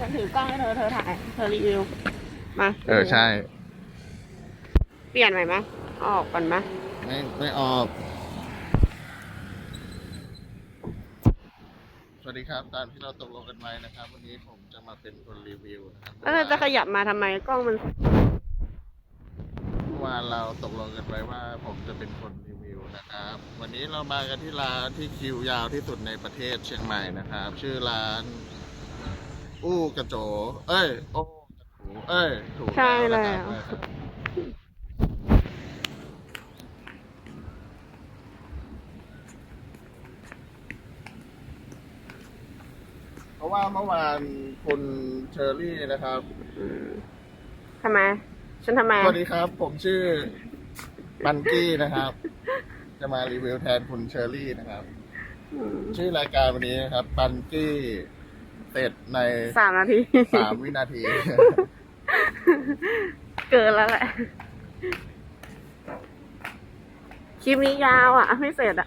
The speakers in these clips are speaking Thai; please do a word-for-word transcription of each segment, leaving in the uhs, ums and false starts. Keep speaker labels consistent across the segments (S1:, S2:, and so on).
S1: ฉันถือกล้องให้เธอเธอถ่ายเธอรีวิวมา
S2: เออใช่
S1: เปลี่ยนใหม่ไหมออกก่อนไหม
S2: ไม่ไม่ออกสวัสดีครับตามที่เราตกลงกันไว้นะครับวันนี้ผมจะมาเป็นคนรีวิวนะครับ
S1: แล้วเราจะขยับมาทำไมกล้องมัน
S2: เมื่อวานเราตกลงกันไว้ว่าผมจะเป็นคนรีวิวนะครับวันนี้เรามากันที่ร้านที่คิวยาวที่สุดในประเทศเชียงใหม่นะครับชื่อร้านอู้กระโจเอ้ยโอ้กระถูเอ้ยถูก
S1: ใช่แล้ว
S2: เพราะว่าเมื่อวานคุณเชอรี่นะครับ
S1: ทำไมฉันทำไม
S2: สวัสดีครับผมชื่อบันกี้นะครับจะมารีวิวแทนคุณเชอรี่นะครับชื่อรายการวันนี้นะครับบันกี้เสร็จใน
S1: สามนาที
S2: สามวินาที
S1: เกินแล้วแหละคลิปนี้ยาวอ่ะไม่เสร็จอ่ะ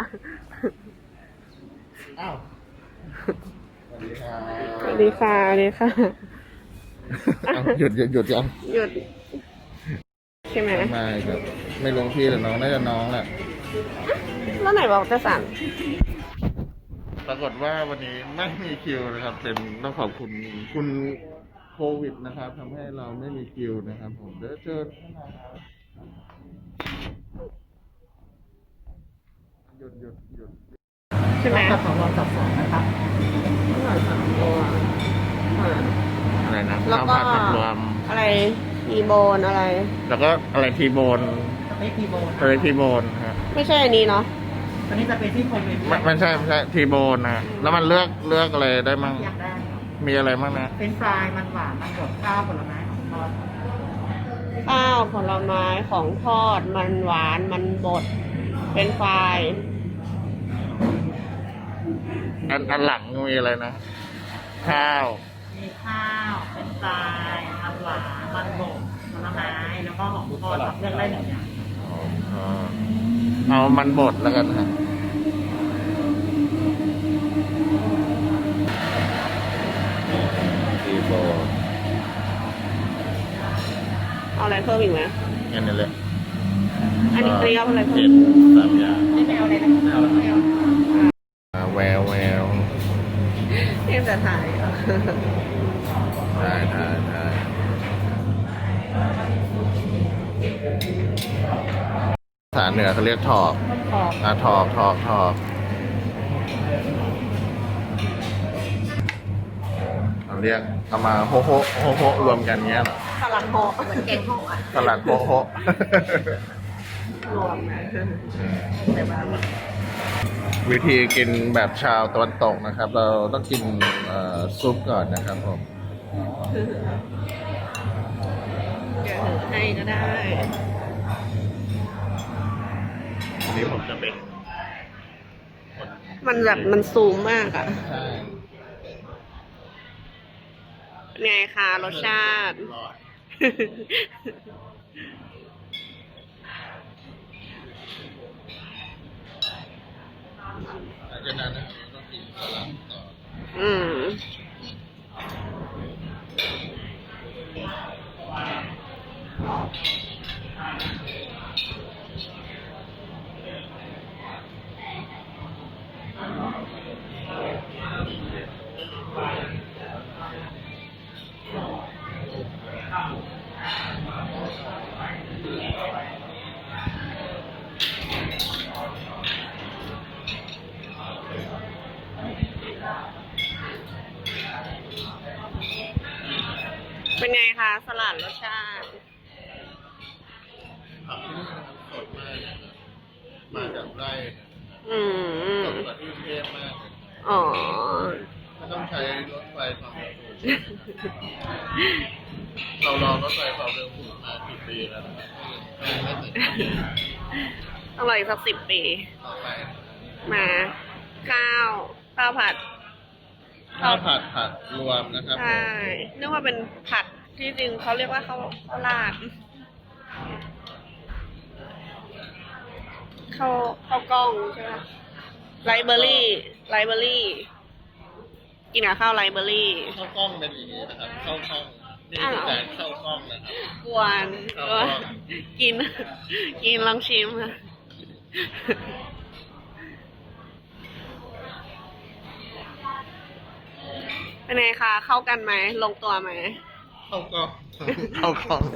S2: อ้าวสวัสดีค่ะ
S1: สวัสดีค่ะสวัสดีค่ะ
S2: หยุดหยุดหยุดยัง
S1: หยุดใช่ไหม
S2: ไม่ครับไม่ลงพี่หรือน้องน่าจะน้องแหละ
S1: แล้วไหนบอกจะสั่ง
S2: ปรากฏว่าวันนี้ไม่มีคิวนะครับเป็นต้องขอบคุณคุณโควิดนะครับทำให้เราไม่มีคิวนะครับผมเดี๋ยวเจอหยุดหยุดหยุด
S1: ใช่ไหม
S3: กับของเราจับสองนะครับ
S2: อะไรนะ
S1: แล้วก็
S2: รวม
S1: อะไรทีโบนอะไร
S2: แล้วก็อะไรทีโบน
S3: สเต็กทีโบน
S2: อะไรทีโบนครับ
S1: ไม่ใช่อันนี้เนาะ
S3: อันนี้จะเป็นที่โคเวน
S2: ไม่ไม่ใช่ไม่ใช่ทีโบนนะแล้วมันเลือกเลือกอะไรได้มั่งมีอะไรมั่งนะ
S3: เป็นฟรายมันหวานมันบดข้าวผลไม้ของทอด
S1: ข้าวผลไม้ของทอดมันหวานมันบดเป็นไฟ
S2: อันอันหลังมีอะไรนะข้าว
S3: มีข้าวเป็นฟรายมันหวานมันบดผลไม้แล้วก็ของทอดเลือกได้หนึ่งอย่าง
S2: เอามันบดแล้วกันครับทีโบ
S1: เอาอะไรเพิ่มอีกไหม
S2: อันนี้เลย
S1: อันนี้เกลียวอะไรเพิ่ม
S2: สามอย่าง
S3: ไม่แมวเลยนะไม่เอา
S2: แววแวว
S1: เอ็มจะถ่าย
S2: ถ่ายถ่ายถ่ายภาษาเหนือเขาเรียกถอกอ่ะถอกถอกถอกเราเรียกเอามาโฮโฮโฮโฮรวมกันเงี้ยเหรอ
S1: สลัดโฮเหมือนเก่งโฮอ่ะ
S2: สลัดโฮโฮ
S1: รวมนะ
S2: วิธีกินแบบชาวตะวันตกนะครับเราต้องกินซุปก่อนนะครับผม
S1: เดี๋ยวให้ก็ได้
S2: อันนี้ผมจะเป็น
S1: มันแบบมันซูมมากอ่ะไงคะรสชาติ
S2: จากนั้นนะต้องกินสลัดต่อ
S1: อืมเป็นไงคะสลัดรสชาติ
S2: ผักที่นี่นะครับสดมากมาจากไร่
S1: อืม
S2: สดกว่าที่กรุงเทพมาก
S1: อ๋อ
S2: ไม่ต้องใช้รถไฟความเร็วสูงเรารอรถไฟความเร็วสูงมากี่ปีแล้วนะครับไม่ถึง
S1: ต้องรออีกสักสิบปี
S2: ต่อไป
S1: มาข้าวข้าวผัด
S2: ข้าวผัดผัดรวมนะครับ
S1: ใช่นึกว่าเป็นผัดที่จริงเขาเรียกว่าข้าวข้าวราดข้าวข้าวกล้องใช่ไหมไลเบอรี่ไลเบอรี่กินกับข้าวไรเบอรี่
S2: ข้าวกล้องเป็นอย่างนี้นะครับข้าวกล้องนี่คือการข้าวกล้องนะครับ
S1: กวน
S2: ข้าว
S1: ก็
S2: กล้อง
S1: กิน กินลองชิมค่ะ เป็นไงคะ เข้ากันไหม ลงตัวไหม
S2: ข้าวกล้องข้าวกล้อง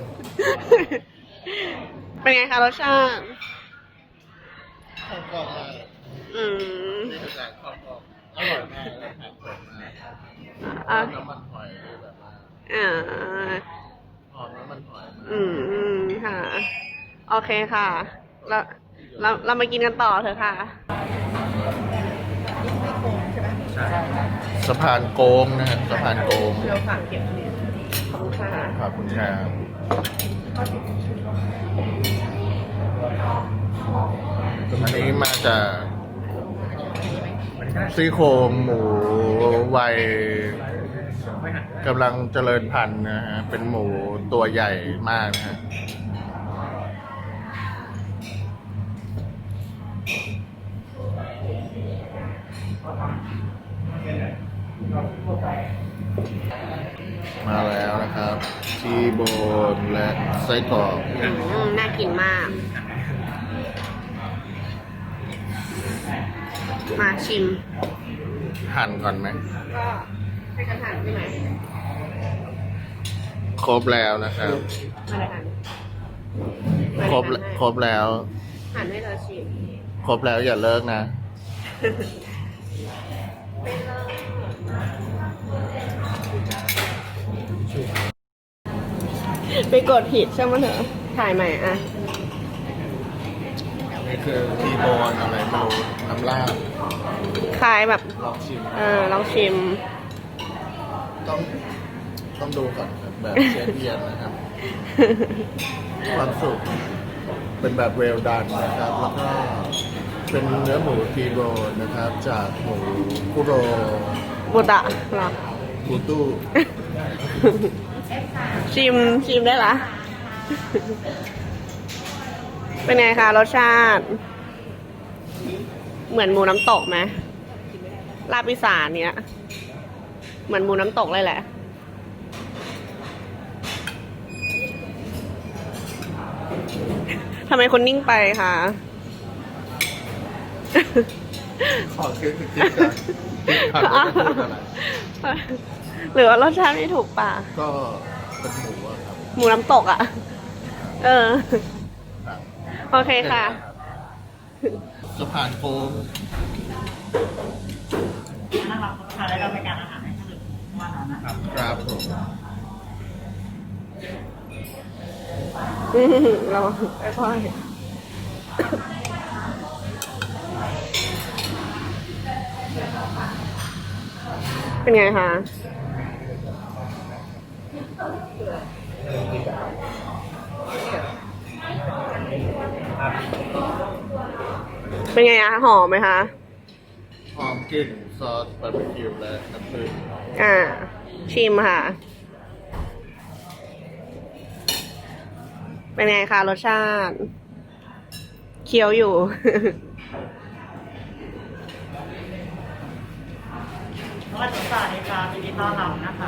S1: เป็นไงคะรสชาติ
S2: ข้าวกล้องมาก
S1: อืม
S2: นี่คือการข้าวกล้องอร่อยมากและผักสดมาก
S1: อ่ะ
S2: น้ำมันหอยคือแบบว่า
S1: อ่า
S2: หอมน้ำมันหอยมาก
S1: อืมค่ะ โอเคค่ะ เราเราเรามากินกันต่อเถอะค่ะ
S2: สะพานโกงนะฮะสะพานโกง
S1: เราฝากเก็บเหรียญขอบคุณค่ะ
S2: ขอบคุณครับอันนี้มาจากซี่โครงหมูวัยกำลังเจริญพันธุ์นะฮะ เป็นหมูตัวใหญ่มากนะฮะ มาแล้วนะครับ ชีโบนและไส้กรอก
S1: อืมน่ากินมาก มาชิม
S2: หั่นก่อนไหม
S1: ก็ให้กันหั่นใช่ไหม
S2: ครบแล้วนะครับ
S1: มาเลยหั่น
S2: ครบครบแล้ว
S1: หั่นให้เราชิม
S2: ครบแล้วอย่าเลิกนะ
S1: ไม่เลิกไปกดผิดใช่ไหมเถอะถ่ายใหม่อ่ะ
S2: นี่คือทีโบนอะไรไม่รู้น้ำลาบ
S1: คล้ายแบบ
S2: ลองชิม
S1: เออลองชิม
S2: ต้องต้องดูก่อนครับแบบเชฟเอียนนะครับ ความสุขเป็นแบบเวลดันนะครับ แล้วก็เป็นเนื้อหมูทีโบนนะครับ จากหมูคุโร
S1: บุตะเหรอ
S2: คูตู้
S1: ชิมชิมได้ละ เป็นไงคะรสชาติ เหมือนหมูน้ำตกไหมลาบอีสานเนี้ย เหมือนหมูน้ำตกเลยแหละ ทำไมคนนิ่งไปคะ
S2: ขอคิดคิดกันคิดกันว่าจะพูดอะไร
S1: หรือว่ารสชาติไม่ถูกปาก
S2: ก็เป็นหมูอะครับ
S1: หมูน้ำตกอ่ะ เออ
S2: ครับ
S1: โอเคค่ะ
S2: สะพานโค้ง
S3: นะครับทานได้รับประการอาหารให้ถึงวันนั้นนะครับ
S2: ครับผม
S1: อืมเราค่อยๆเป็นไงคะ เป็นไงอะหอมไหมคะ
S2: หอมกลิ่นซอสบาร์บีคิวและน้ำผึ้ง
S1: อ่า ชิมค่ะ เป็นไงคะรสชาติ เคี้ยวอยู่
S3: สวัสดีค่ะดีค่ะยินดีต้อนรับนะคะ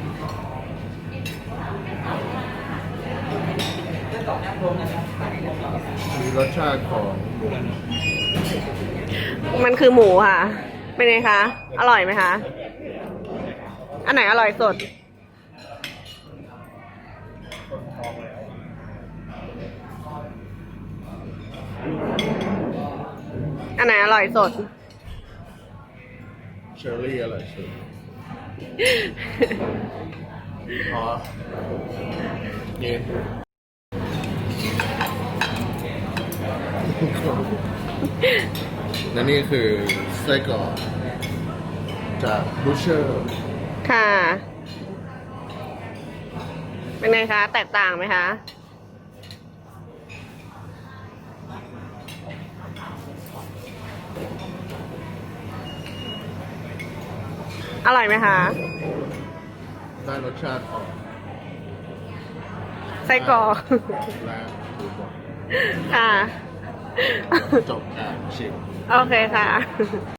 S2: มีรสชาติของหมู
S1: มันคือหมูค่ะ เป็นไงคะ อร่อยไหมคะ อันไหนอร่อยสด อันไหนอร่อยสด
S2: เชอร์รี่อะไรสุดอ๋อเย็นและนี่คือไส้กรอกจากบูเชอร์
S1: ค่ะ เป็นไงคะ แตกต่างไหมคะ อร่อยไหมคะ
S2: ได้รสชาติของ
S1: ไส้กรอก
S2: และหมูบด
S1: ค่ะ
S2: จบการชิม
S1: โอเคค่ะ